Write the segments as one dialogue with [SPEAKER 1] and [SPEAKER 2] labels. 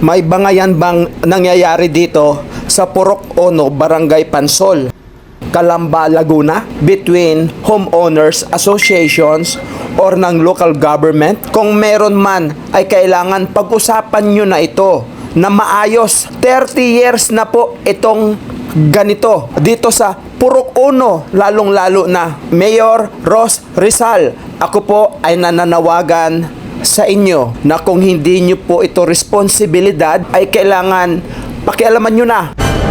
[SPEAKER 1] May bangayan bang nangyayari dito sa Purok Ono, Barangay Pansol, Calamba, Laguna, between homeowners associations or ng local government? Kung meron man, ay kailangan pag-usapan nyo na ito na maayos. 30 years na po itong ganito dito sa Purok Ono, lalong-lalo na Mayor Ros Rizal. Ako po ay nananawagan sa inyo na kung hindi nyo po ito responsibilidad, ay kailangan pakialaman nyo na.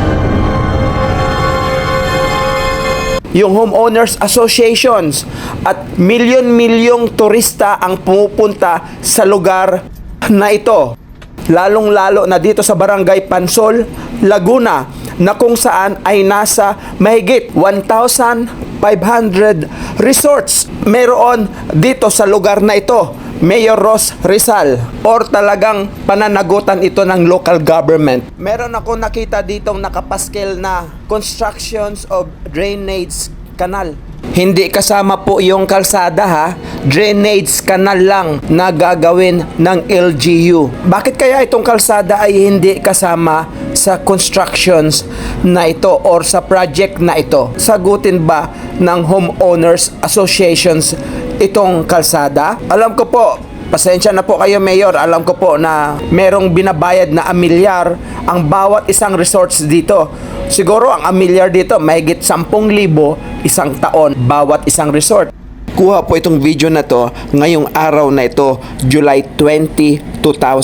[SPEAKER 1] Yung homeowners associations at milyon-milyong turista ang pumupunta sa lugar na ito, lalong-lalo na dito sa Barangay Pansol, Laguna, na kung saan ay nasa mahigit 1,500 resorts meron dito sa lugar na ito, Mayor Ros Rizal, or talagang pananagutan ito ng local government. Meron ako nakita ditong nakapaskel na constructions of drainage canal. Hindi kasama po yung kalsada ha, drainage canal lang na gagawin ng LGU. Bakit kaya itong kalsada ay hindi kasama sa constructions na ito or sa project na ito? Sagutin ba ng homeowners associations itong kalsada? Alam ko po, pasensya na po kayo Mayor, alam ko po na merong binabayad na amilyar ang bawat isang resorts dito. Siguro ang amilyar dito mahigit 10,000 isang taon bawat isang resort. Kuha po itong video na to ngayong araw na ito, July 20,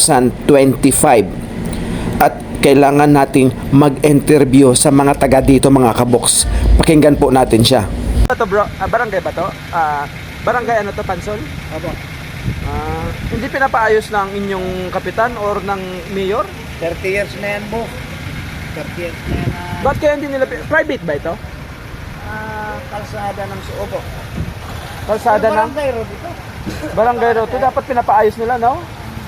[SPEAKER 1] 2025. At kailangan nating mag-interview sa mga taga dito mga kaboks. Pakinggan po natin siya. Ito bro, barangay ba to? Barangay ano to, Pansol?
[SPEAKER 2] Opo.
[SPEAKER 1] Hindi pinapaayos ng inyong kapitan or ng mayor?
[SPEAKER 2] 30 years na yan mo. 30 years na yan.
[SPEAKER 1] Ba't kaya hindi nila, private ba ito?
[SPEAKER 2] Kalsada ng Suobo.
[SPEAKER 1] Kalsada ng
[SPEAKER 2] Barangay Road ito.
[SPEAKER 1] Barangay Road, dapat pinapaayos nila, no?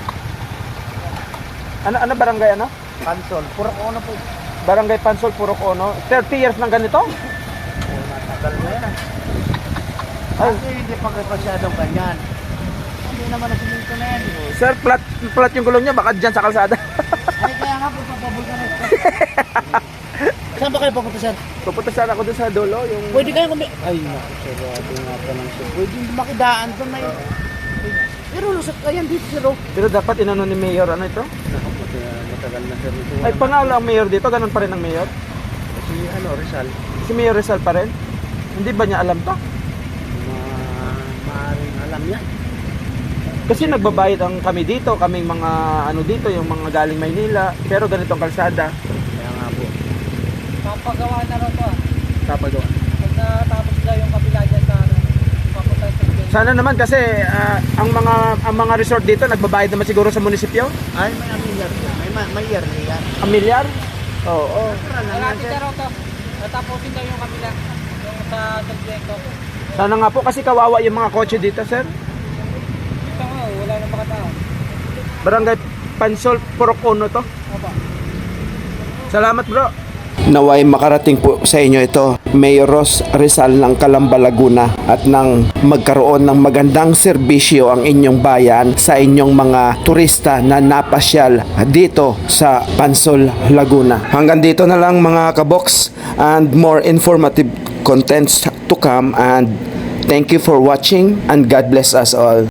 [SPEAKER 1] Ano barangay ano?
[SPEAKER 2] Pansol. Purok Ono po.
[SPEAKER 1] Barangay Pansol, Purok Ono. 30 years ng ganito?
[SPEAKER 2] Matagal na yan.
[SPEAKER 1] Ay.
[SPEAKER 2] Kasi hindi pa masyadong ganyan. Hindi naman na siminto na yan.
[SPEAKER 1] Sir, plat yung gulong niya, baka dyan sa kalsada.
[SPEAKER 2] Ay, kaya nga po, papabol ka na ito. Saan ba kayo papunta, sir?
[SPEAKER 1] Pupunta sana ako dun sa dulo, yung...
[SPEAKER 2] Pwede kayo kami... Ay, naku, sarado nga pa ng sir. Pwede makidaan doon may... Pero lusot kayan dito, sir.
[SPEAKER 1] Pero dapat inano ni Mayor, ano ito?
[SPEAKER 2] Naku, matagal na, sir.
[SPEAKER 1] Ay, panalo ang Mayor dito, ganun pa rin ang Mayor?
[SPEAKER 2] Si, Rizal.
[SPEAKER 1] Si Mayor Rizal pa rin? Hindi ba niya alam to?
[SPEAKER 2] Maaaring alam niya.
[SPEAKER 1] Kasi nagbabayad ang kami dito, kaming mga ano dito, yung mga galing Maynila, pero ganitong kalsada.
[SPEAKER 2] Kaya nga po.
[SPEAKER 3] Papagawa na rin to.
[SPEAKER 1] Kapagawa.
[SPEAKER 3] Pag natapos daw yung kapila dyan sa ano, papunta sa Quezon.
[SPEAKER 1] Sana naman kasi ang mga resort dito nagbabayad naman siguro sa munisipyo.
[SPEAKER 2] Ay, may amilyar yan. May yearly yan.
[SPEAKER 1] Ang milyar? Oo.
[SPEAKER 3] Malapit na rin to. Natapusin daw yung kapila. Yung sa Tagleco.
[SPEAKER 1] Sana nga po kasi kawawa yung mga kotse dito, sir.
[SPEAKER 3] Ito nga, wala na makatao.
[SPEAKER 1] Barangay Pansol, Purok Ono to.
[SPEAKER 3] Opa.
[SPEAKER 1] Salamat bro. Naway makarating po sa inyo ito, Mayor Ros Rizal ng Calamba, Laguna, at nang magkaroon ng magandang serbisyo ang inyong bayan sa inyong mga turista na napasyal dito sa Pansol, Laguna. Hanggang dito na lang mga kaboks, and more informative contents to come, and thank you for watching and God bless us all.